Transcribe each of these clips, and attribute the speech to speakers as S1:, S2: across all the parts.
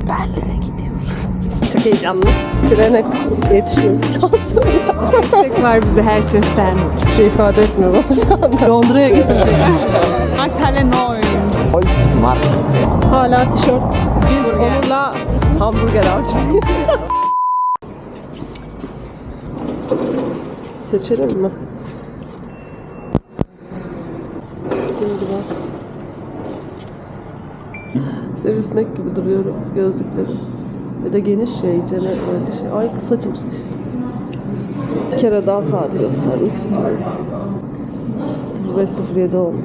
S1: Berlin'e gidiyoruz. Çok heyecanlı. Trene yetişiyoruz. Destek var bize her sesten. Hiçbir şey ifade etmiyor bana şu anda. Londra'ya gidecek.
S2: Aktar'la Noy.
S3: Holzmark.
S1: Hala tişört. Biz onunla hamburger avcısıyız. Seçelim mi? Şuradan biraz. Sivrisinek gibi duruyorum gözlüklerim. Ve de geniş şey, öyle şey. Ay saçım sıkıştı. Bir kere daha saati göstermek istiyorum. 05:07 olmuş.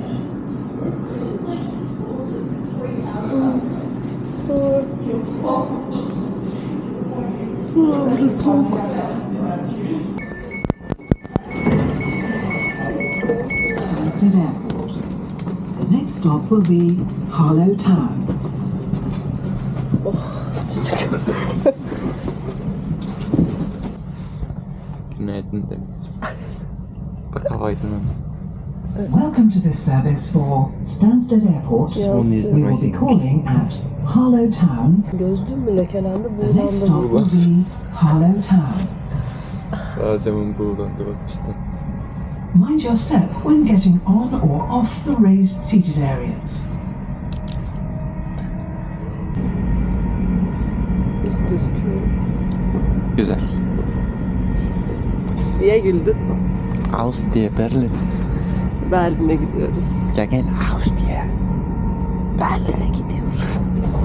S1: Burası soğuk.
S4: Stansted Airport. The next stop will be Harlow Town.
S1: Sıcacık.
S3: Günaydın Deniz. Bak hava aydınlandı.
S4: Welcome to this service for Stansted Airport.
S3: Sun is
S4: We will be
S3: rising.
S4: calling at Harlow Town.
S1: Gözlüğüm mü lekelendi,
S4: The next
S1: buğulandı.
S4: stop will be Harlow Town.
S3: Sağ camın buğulandı bak işte.
S4: Mind your step when getting on or off the raised seated areas.
S1: Nasıl gözüküyor?
S3: Güzel.
S1: Niye güldün?
S3: Aus diye Berlin.
S1: Berlin'e gidiyoruz.
S3: Gegen Aus diye.
S1: Berlin'e gidiyoruz.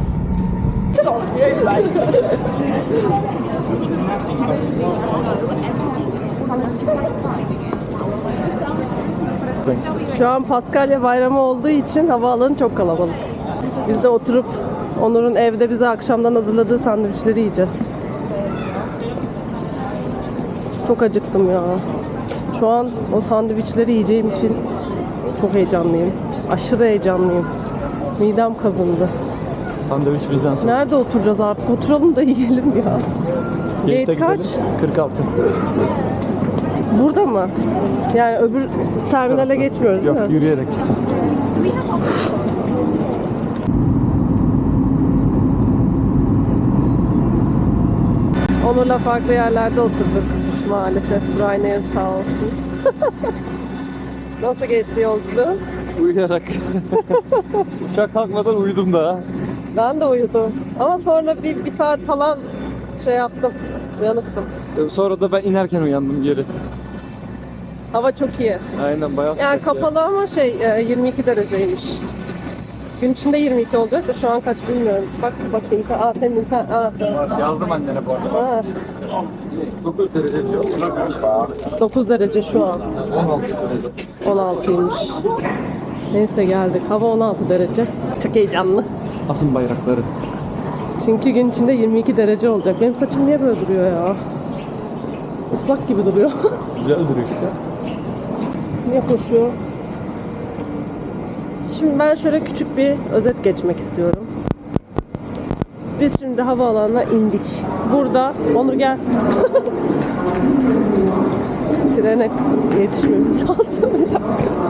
S1: Şu an Paskalya bayramı olduğu için havaalanı çok kalabalık. Biz de oturup Onur'un evde bize akşamdan hazırladığı sandviçleri yiyeceğiz. Çok acıktım ya. Şu an o sandviçleri yiyeceğim için çok heyecanlıyım. Aşırı heyecanlıyım. Midem kazındı.
S3: Sandviç bizden sonra.
S1: Nerede oturacağız artık? Oturalım da yiyelim ya. Gate kaç?
S3: 46.
S1: Burada mı? Yani öbür terminale geçmiyoruz değil mi?
S3: Yok, yürüyerek gideceğiz.
S1: Onur'la farklı yerlerde oturduk maalesef. Ryanair sağ olsun. Nasıl geçti yolculuğun?
S3: Uyuyarak. Uçak kalkmadan uyudum da.
S1: Ben de uyudum. Ama sonra bir saat falan şey yaptım. Uyanıktım.
S3: Sonra da ben inerken uyandım geri.
S1: Hava çok iyi.
S3: Aynen bayağı
S1: Yani
S3: sıcak ya.
S1: kapalı ama 22 dereceymiş. Gün içinde 22 olacak da şu an kaç bilmiyorum. Bak bakayım. Senin internet.
S3: Yazdım annene bu arada. 9 derece diyor.
S1: 9 derece şu an.
S3: 16 derece.
S1: 16'ymış. Neyse geldik. Hava 16 derece. Çok heyecanlı.
S3: Asın bayrakları.
S1: Çünkü gün içinde 22 derece olacak. Benim saçım niye böyle duruyor ya? Islak gibi duruyor.
S3: Güzel duruyor işte.
S1: Niye koşuyor? Şimdi ben şöyle küçük bir özet geçmek istiyorum. Biz şimdi havaalanına indik. Burada, Onur gel. Trene yetişmemiz lazım. Bir dakika.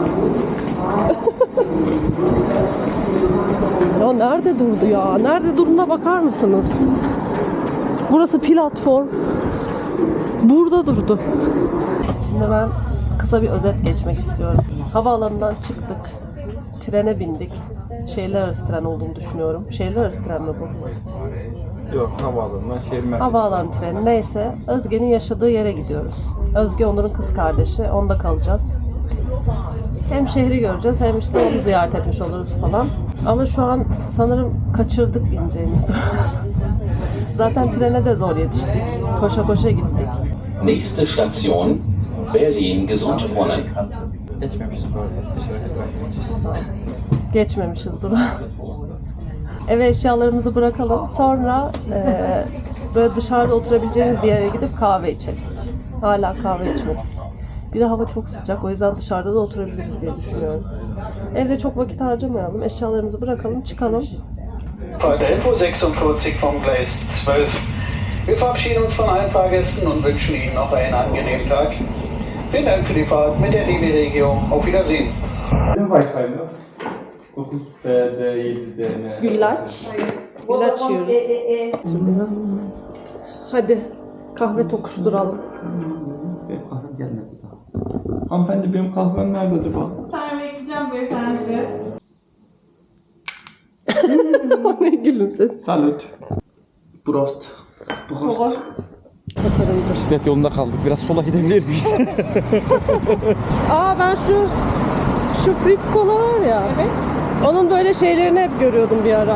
S1: Ya nerede durdu ya? Nerede durduğuna bakar mısınız? Burası platform. Burada durdu. Şimdi ben kısa bir özet geçmek istiyorum. Havaalanından çıktık. Trene bindik. Şehirler arası tren olduğunu düşünüyorum. Şehirler arası tren mi bu?
S3: Yok, havaalanından şehir merkezi.
S1: Havaalanı treni neyse. Özge'nin yaşadığı yere gidiyoruz. Özge Onur'un kız kardeşi. Onda kalacağız. Hem şehri göreceğiz hem işte onu ziyaret etmiş oluruz falan. Ama şu an sanırım kaçırdık ineceğimiz durum. Zaten trene de zor yetiştik. Koşa koşa gittik.
S5: Nächste Station Berlin Gesundbrunnen.
S3: Geçmemişiz bu arada. Bir sonraki tarafa
S1: Geçmemişiz duru. Eve eşyalarımızı bırakalım. Sonra böyle dışarıda oturabileceğimiz bir yere gidip kahve içelim. Hala kahve içmedik. Bir de hava çok sıcak. O yüzden dışarıda da oturabiliriz diye düşünüyorum. Evde çok vakit harcamayalım. Eşyalarımızı bırakalım, çıkalım.
S6: Heute 11:46 vom Gleis 12. Wir verabschieden uns von allen Fahrgästen und wünschen Ihnen noch einen angenehmen Tag. Vielen Dank für die Fahrt mit der Linie Regio. Auf Wiedersehen.
S3: Bizim Wi-Fi mi? 9 BD 7 DN.
S1: Güllaç. İlaç yiyoruz. Hadi kahve tokuşturalım.
S3: Benim kahvem gelmedi daha. Hanımefendi benim kahvem nerede acaba?
S2: Sen bekleyeceğim beyefendi.
S1: Ne gülümsedin?
S3: Salut. Prost.
S1: Tasarımcı.
S3: Bisiklet yolunda kaldık. Biraz sola gidebilir miyiz?
S1: Aa ben şu Fritz Cola var ya.
S2: Evet.
S1: Onun böyle şeylerini hep görüyordum bir ara.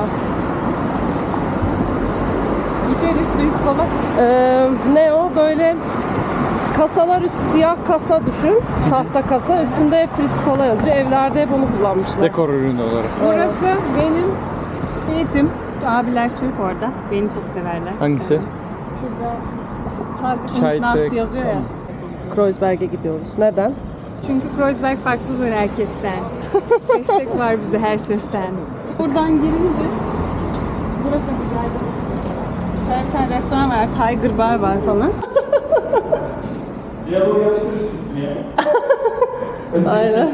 S2: İçeriz Fritz Cola.
S1: Ne o? Böyle kasalar üstü siyah kasa düşün. Tahta kasa. Üstünde Fritz Cola yazıyor. Evlerde hep onu kullanmışlar.
S3: Dekor ürünü olarak.
S2: Burası benim eğitim. Abiler Türk orada. Beni çok severler.
S3: Hangisi?
S2: Şurada
S3: Çay
S2: Nacht
S3: tek-
S2: yazıyor ya.
S1: Kreuzberg'e gidiyoruz. Neden?
S2: Çünkü Kreuzberg farklıdır herkesten. Destek var bize her sesten. Buradan girince burası güzel. Bir tane restoran var, Tiger Bar var falan.
S3: Diyalog yapıştırırsınız diye.
S1: Aynen.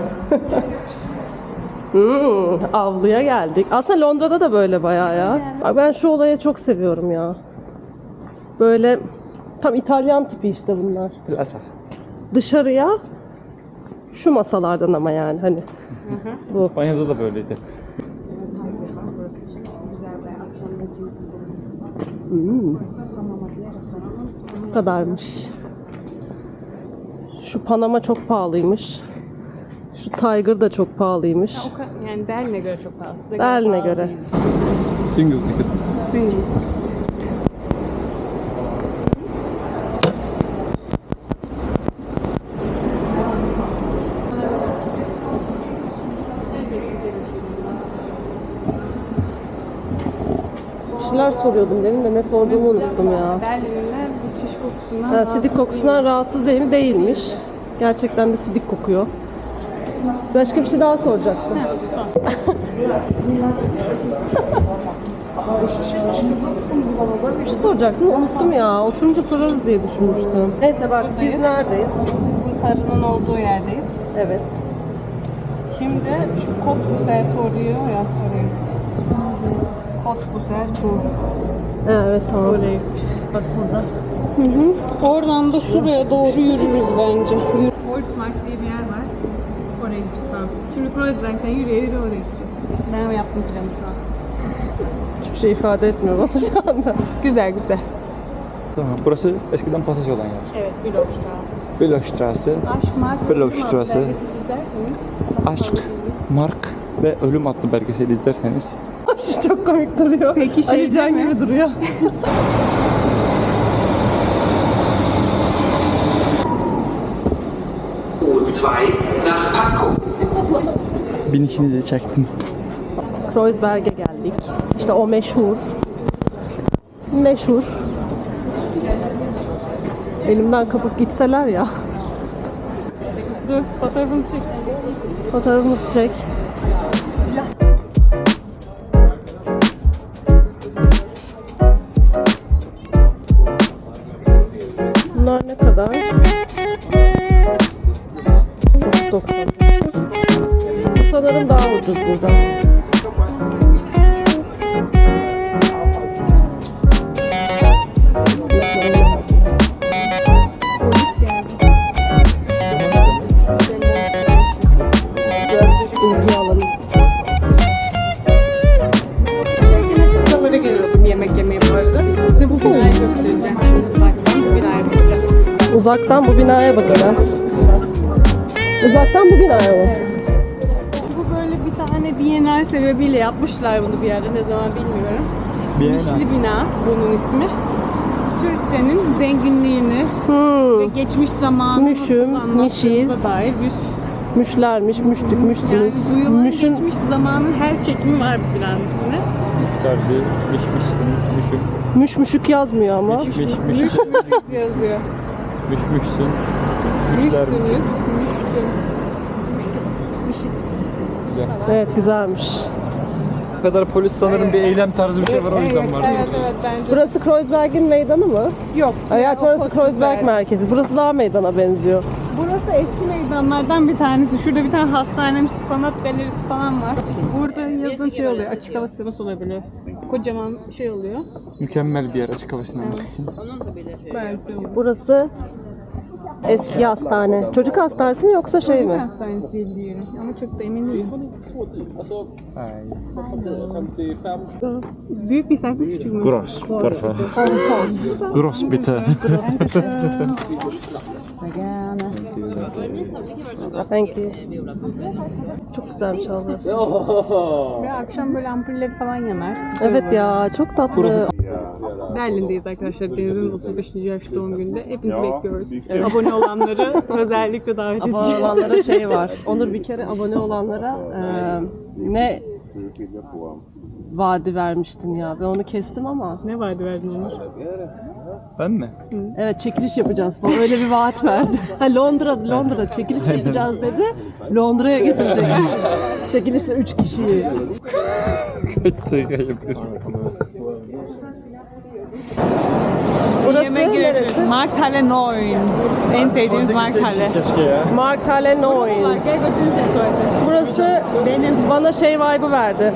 S1: Avluya geldik. Aslında Londra'da da böyle bayağı ya. Ben şu olayı çok seviyorum ya. Böyle tam İtalyan tipi işte bunlar.
S3: Plasa.
S1: Dışarıya şu masalardan ama yani hani. Bu.
S3: İspanya'da da böyleydi.
S1: Bu kadarmış. Şu Panama çok pahalıymış. Şu Tiger da çok pahalıymış.
S2: Yani Berlin'e göre çok pahalı. Size
S1: Berlin'e
S2: pahalı
S1: göre.
S2: değil.
S3: Single ticket.
S1: Bir şeyler soruyordum demin de ne sorduğumu unuttum ya.
S2: Berlin'ler bu çiş kokusundan
S1: Ha, sidik kokusundan rahatsız değil mi? Değilmiş. Gerçekten de sidik kokuyor. Başka bir şey daha soracaktım. Bir şey soracaktım, unuttum ya. Oturunca sorarız diye düşünmüştüm. Neyse bak biz neredeyiz?
S2: Bu sarının olduğu yerdeyiz.
S1: Evet.
S2: Şimdi şu Cottbusser Tor'u ya oraya gideceğiz. Cottbusser Tor.
S1: Evet tamam.
S2: Oraya gideceğiz.
S1: Bak burada.
S2: Oradan da şuraya doğru yürürüz bence. Holzmark diye bir yer var. Oraya gideceğiz tamam. Şimdi Kreuzberg'den yürüye oraya gideceğiz. Ben yaptım planı şu an.
S1: Hiçbir şey ifade etmiyor bana şu anda.
S2: Güzel güzel.
S3: Tamam. Burası eskiden pasaj olan yer.
S2: Evet, Bülowstraße.
S3: Bülowstraße.
S2: Aşk, Mark,
S3: Bülowstraße.
S2: Ölüm adlı belgeseli izlerseniz.
S3: Aşk, Mark ve Ölüm adlı belgeseli izlerseniz
S1: Şu çok komik duruyor.
S2: Peki şey
S1: Ali Can
S2: değil mi?
S1: gibi duruyor.
S5: U2 nach Pankow.
S3: binişinizi çektim.
S1: Kreuzberg'e geldik. İşte o meşhur. Meşhur. Elimden kapıp gitseler ya.
S2: Dur, fotoğrafını çek.
S1: Fotoğrafımızı çek. Bunlar ne kadar? 90. Bu sanırım daha ucuz burada. İlgi alalım.
S2: Buralara geliyordum yemek yemeye bu arada. Size bu binayı göstereceğim. Şimdi uzaktan bu binaya bakacağız.
S1: Uzaktan bu binaya bakacağız. Uzaktan bu binaya mı?
S2: Bu böyle bir tane Bienal sebebiyle yapmışlar bunu bir yerde ne zaman bilmiyorum.
S3: Bienal.
S2: Mişli bina bunun ismi. Türkçenin zenginliğini ve geçmiş zamanı
S1: Müşüm,
S2: nasıl
S1: mişiz.
S2: anlattığımıza dair bir
S1: Müşlermiş, müştük,
S2: yani
S1: müşsünüz.
S2: duyulan
S1: Müşün
S2: geçmiş zamanın her çekimi var bu binanın üstüne.
S3: Müşterdi, mişmişsiniz, müşüm.
S1: müşmüşük yazmıyor ama.
S3: Mişmiş,
S2: Yazıyor.
S3: müşmüşsün. Müşler,
S2: Müştünüz, müştün. Mişiz.
S3: güzel.
S1: Evet güzelmiş.
S3: Bu kadar polis sanırım bir eylem tarzı bir şey var o yüzden var.
S2: Evet bence.
S1: Burası Kreuzberg'in meydanı mı?
S2: Yok.
S1: Hayır, orası
S2: Cottbusser.
S1: Kreuzberg merkezi. Burası daha meydana benziyor.
S2: Burası eski meydanlardan bir tanesi. Şurada bir tane hastanemiz, sanat galerisi falan var. Burada yazın şey oluyor, açık hava sineması olabilir. Kocaman şey oluyor.
S3: Mükemmel bir yer açık hava sineması için.
S2: Belki.
S1: Burası eski hastane. Çocuk hastanesi mi yoksa şey mi?
S2: Hastanesi diye biliyorum ama çok da emin değilim. Büyük bir istersen küçük mü?
S3: Gross, por favor. Gross bitte.
S1: Thank you. Çok güzelmiş abi burası.
S2: Ve akşam böyle ampulleri falan yanar.
S1: Evet ya, çok tatlı.
S2: Berlin'deyiz arkadaşlar. Deniz'in 35. yaş doğum gününde. Hepinizi bekliyoruz. Abone olanları özellikle davet
S1: Abone
S2: edeceğiz.
S1: olanlara şey var. Onur bir kere abone olanlara ne vaadi vermiştin ya. Ben onu kestim ama.
S2: Ne vardı verdin Onur?
S3: Ben mi?
S1: Evet, çekiliş yapacağız falan. Öyle bir vaat verdi. Ha, Londra'da çekiliş yapacağız dedi. Londra'ya getirecek. Çekilişte 3 kişiyi. Burası
S2: Yemek
S1: neresi?
S2: Markthalle 9. En sevdiğimiz Markthalle.
S1: Markthalle 9.
S2: Gel götürün seni tuvalete.
S1: Burası bana şey vibe'ı verdi.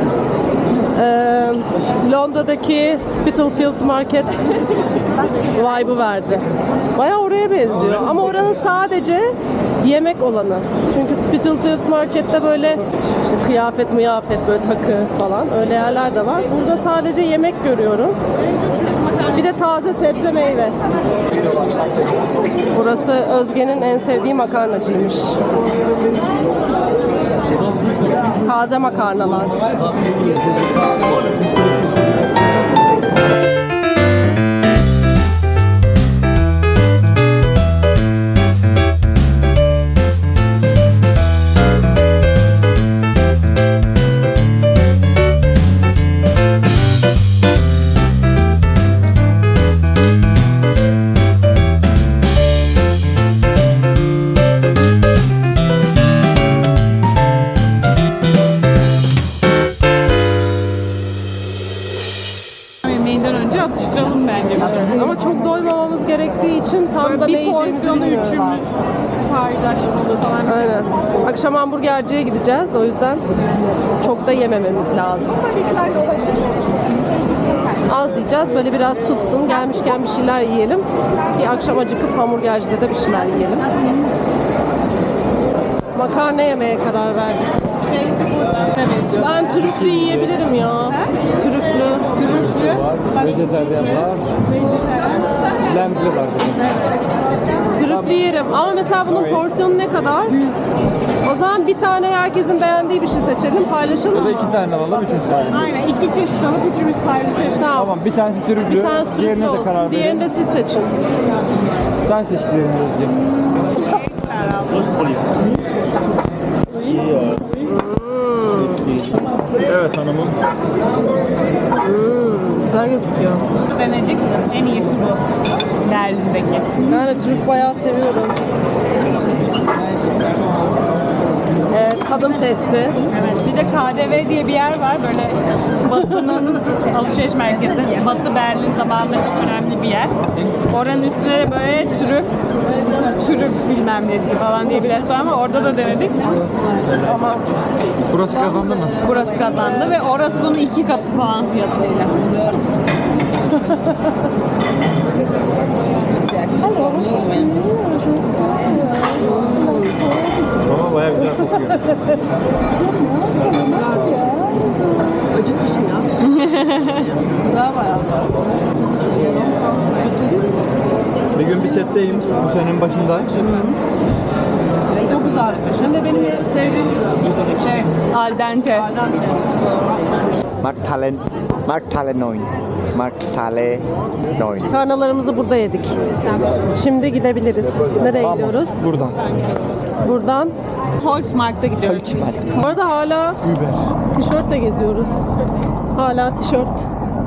S1: Londra'daki Spitalfields Market vibe'ı verdi. Bayağı oraya benziyor ama oranın sadece yemek olanı. Çünkü Spitalfields Market'te böyle işte kıyafet böyle takı falan öyle yerler de var. Burada sadece yemek görüyorum. Bir de taze sebze meyve. Burası Özge'nin en sevdiği makarnacıymış. Taze makarnalar.
S2: Yemeğinden önce atıştıralım bence.
S1: Ama çok doymamamız gerektiği için tam da ne
S2: Bir
S1: yiyeceğimizi
S2: porsiyonu
S1: bilmiyoruz.
S2: üçümüz paylaşmalı falan.
S1: Aynen. Akşam hamburgerciye gideceğiz. O yüzden çok da yemememiz lazım. Az yiyeceğiz. Böyle biraz tutsun. Gelmişken bir şeyler yiyelim. Ki akşam acıkıp hamburgercide de bir şeyler yiyelim. Makarna yemeye karar verdik. Ben trüflü yiyebilirim ya. Trüflü.
S3: Vejetaryen var. Lembli var.
S1: Trüflü yerim. Ama mesela bunun porsiyonu ne kadar? O zaman bir tane herkesin beğendiği bir şey seçelim. Paylaşalım
S3: Ya da
S1: mı?
S3: 2 tane alalım, 3 tane.
S2: Aynen, 2 çeşit alıp üçümüz paylaşırız.
S1: Tamam.
S3: Tamam, bir tanesi trüflü,
S1: Bir tanesi
S3: diğerine
S1: trüflü
S3: de karar
S1: olsun. Diğerini
S3: verin.
S1: de siz seçin.
S3: Sen seç diğerini Özge. Evet hanımım.
S1: Güzel gözüküyor.
S2: Denedik. En iyisi bu. Berlin'deki.
S1: Ben de trüf bayağı seviyorum. Tadım testi.
S2: Evet. Bir de KDV diye bir yer var. Böyle Batı'nın alışveriş merkezi. Batı Berlin zamanında çok önemli bir yer. Oranın üstüne böyle trüf bilmem nesi falan diye bir restoran var. Orada da denedik.
S1: Ama
S3: Burası kazandı mı?
S2: Burası kazandı ve orası bunun 2 katı falan fiyatıyla.
S3: Ama bayağı güzel kokuyor.
S1: acıkmışım ya. Güzel bayağı.
S3: Bir gün bir setteyim, bu senenin başında.
S1: Çok güzel. Hem de benim sevdiğim şey.
S2: Al dente.
S7: Markthalle 9. Markthalle 9.
S1: Makarnalarımızı burada yedik. Şimdi gidebiliriz. Nereye gidiyoruz?
S3: Buradan.
S1: Buradan.
S2: Holzmarkt'a gidiyoruz.
S1: Bu arada hala tişörtle geziyoruz. Hala tişört.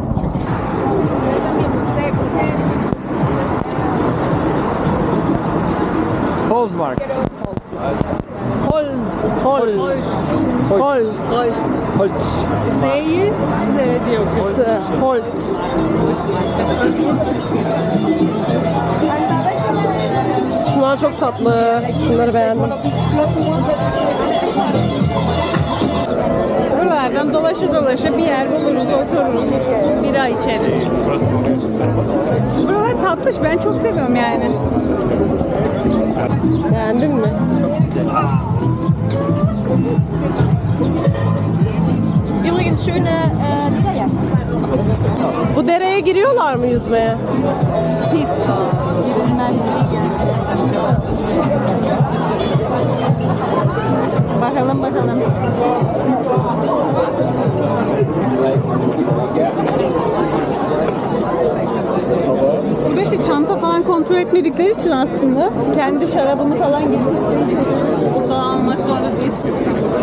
S3: Holzmarkt.
S1: Holz. Holz. Holz.
S3: Holz.
S2: Z'yi Z diye okuyoruz.
S1: Holz. Şunlar çok tatlı. Şunları beğendim.
S2: Oralardan dolaşa bir yer buluruz, otururuz, bira içeriz. Buralar tatlış, ben çok seviyorum yani.
S1: Beğendin mi?
S8: Übrigens schöne Lederjacke.
S1: Bu dereye giriyorlar mı yüzmeye?
S2: Pis. Girilmez. Bakalım. Burada işte çanta falan kontrol etmedikleri için aslında kendi şarabını falan getirdikleri için burada almak zorunda değilsin.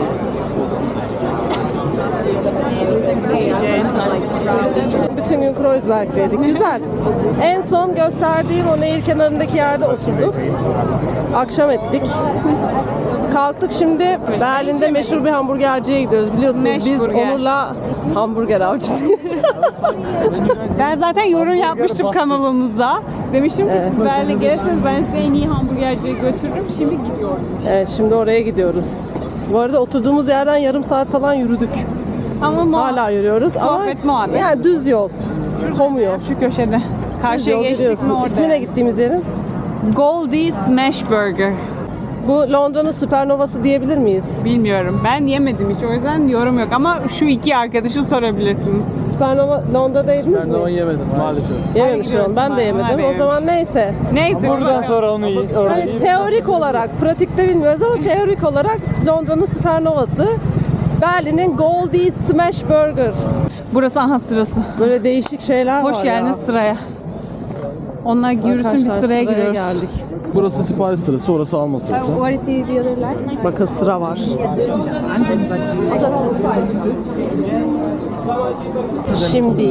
S1: Bütün gün Kreuzberg'deydik. Güzel. En son gösterdiğim o nehir kenarındaki yerde oturduk. Akşam ettik. Kalktık şimdi Berlin'de meşhur bir hamburgerciye gidiyoruz. Biliyorsunuz biz
S2: Meşburger.
S1: Onur'la hamburger avcısıyız.
S2: Ben zaten yorum yapmıştım kanalımızda. Demiştim ki siz Berlin'e gelirseniz ben size en iyi hamburgerciye götürürüm. Şimdi gidiyorum.
S1: Evet, şimdi oraya gidiyoruz. Bu arada oturduğumuz yerden yarım saat falan yürüdük.
S2: Ama
S1: Hala yürüyoruz
S2: Sohbet,
S1: ama
S2: muhabbet.
S1: yani düz yol. Komuyor.
S2: şu köşede.
S1: Düz
S2: Karşıya
S1: yol
S2: geçtik
S1: gidiyorsun.
S2: mi orada?
S1: İsmine gittiğimiz yerin.
S2: Goldie Smash Burger.
S1: Bu Londra'nın süpernovası diyebilir miyiz?
S2: Bilmiyorum. Ben yemedim hiç. O yüzden yorum yok. Ama şu iki arkadaşı sorabilirsiniz.
S1: Süpernova Londra'daydınız mı?
S3: yemedim maalesef.
S1: Yememiştim onu. Ben de yemedim. O zaman neyse.
S2: Neyse.
S3: Buradan sonra onu iyi.
S1: Hani teorik olarak, pratikte bilmiyoruz ama teorik olarak Londra'nın süpernovası Berlin'in Goldie Smash Burger.
S2: Burası aha sırası.
S1: Böyle değişik şeyler var
S2: Hoş geldiniz
S1: ya.
S2: sıraya. Onlar yürüsün bir
S1: Arkadaşlar,
S2: sıraya giriyoruz.
S1: geldik.
S3: Burası sipariş sırası, orası alma sırası.
S8: What is the other line?
S1: Bakın sıra var. Şimdi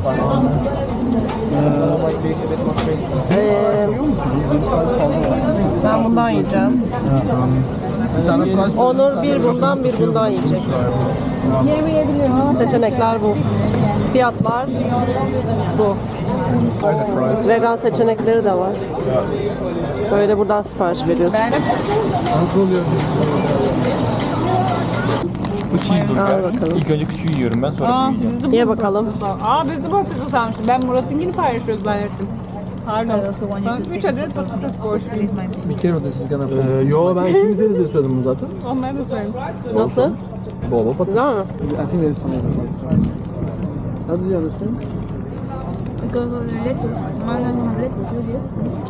S1: ben bundan yiyeceğim. Onur bir bundan yiyecek.
S2: Yemeyebilirim ama
S1: Seçenekler bu. Fiyatlar bu. Vegan seçenekleri de var. Böyle buradan sipariş veriyorsun.
S3: Bu cheeseburger.
S1: Al bakalım.
S3: İlk önce küçüğü yiyorum ben sonra büyüğü.
S1: Ye bakalım.
S2: biz de patates almıştık. Ben Murat'ınkini paylaşıyoruz zannettim. Pardon.
S8: I also want you to
S2: 3
S8: take
S2: adet patates borçluyum.
S3: Yo ben ikimize de söyledim bunu zaten.
S2: Onları da söyleyeyim.
S1: Nasıl?
S3: Bol bol patates.
S1: Güzel mi?
S3: I think there's some How do you understand?
S8: Because of the lettuce. Mine doesn't have lettuce. Yours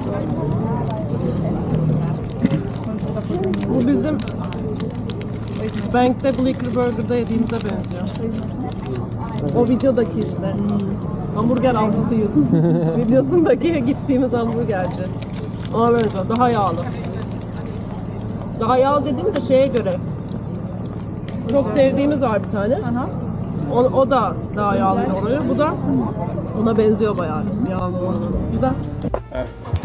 S8: yes?
S1: Bu bizim Bank'te Bleecker Burger'da yediğimize benziyor. O videodaki işte. Hamburger avcısıyız. Videosundaki gittiğimiz hamburgerci. Ona benziyor. Daha yağlı. Daha yağlı dediğimizde şeye göre. Çok sevdiğimiz var bir tane. O da daha yağlı oluyor. Bu da ona benziyor bayağı. Yağlı olan. Güzel.